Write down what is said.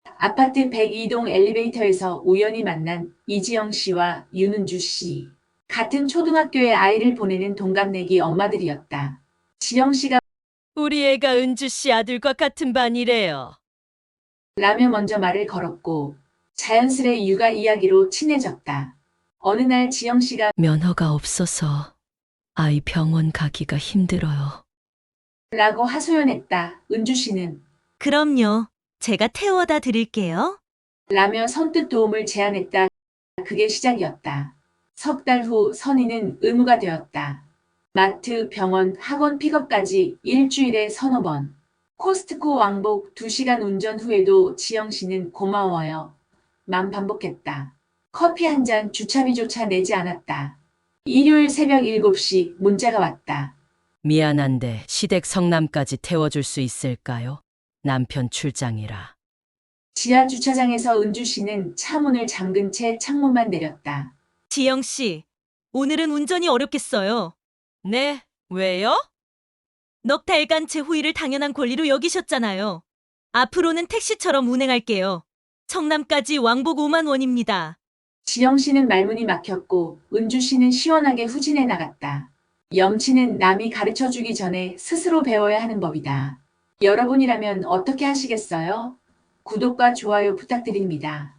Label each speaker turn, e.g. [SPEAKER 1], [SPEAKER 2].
[SPEAKER 1] 아파트 102동 엘리베이터에서 우연히 만난 이지영 씨와 윤은주 씨. 같은 초등학교에 아이를 보내는 동갑내기 엄마들이었다. 지영 씨가
[SPEAKER 2] 우리 애가 은주 씨 아들과 같은 반이래요.
[SPEAKER 1] 라며 먼저 말을 걸었고 자연스레 육아 이야기로 친해졌다. 어느 날 지영 씨가
[SPEAKER 2] 면허가 없어서 아이 병원 가기가 힘들어요.
[SPEAKER 1] 라고 하소연했다. 은주 씨는
[SPEAKER 3] 그럼요. 제가 태워다 드릴게요.
[SPEAKER 1] 라며 선뜻 도움을 제안했다. 그게 시작이었다. 석 달 후 선희는 의무가 되었다. 마트, 병원, 학원 픽업까지 일주일에 서너 번. 코스트코 왕복 2시간 운전 후에도 지영 씨는 고마워요. 만 반복했다. 커피 한 잔 주차비조차 내지 않았다. 일요일 새벽 7시 문자가 왔다.
[SPEAKER 2] 미안한데 시댁 성남까지 태워줄 수 있을까요? 남편 출장이라.
[SPEAKER 1] 지하 주차장에서 은주 씨는 차 문을 잠근 채 창문만 내렸다.
[SPEAKER 3] 지영 씨, 오늘은 운전이 어렵겠어요.
[SPEAKER 2] 네, 왜요?
[SPEAKER 3] 넉 달간 제 후일을 당연한 권리로 여기셨잖아요. 앞으로는 택시처럼 운행할게요. 청남까지 왕복 5만 원입니다.
[SPEAKER 1] 지영 씨는 말문이 막혔고 은주 씨는 시원하게 후진해 나갔다. 염치는 남이 가르쳐 주기 전에 스스로 배워야 하는 법이다. 여러분이라면 어떻게 하시겠어요? 구독과 좋아요 부탁드립니다.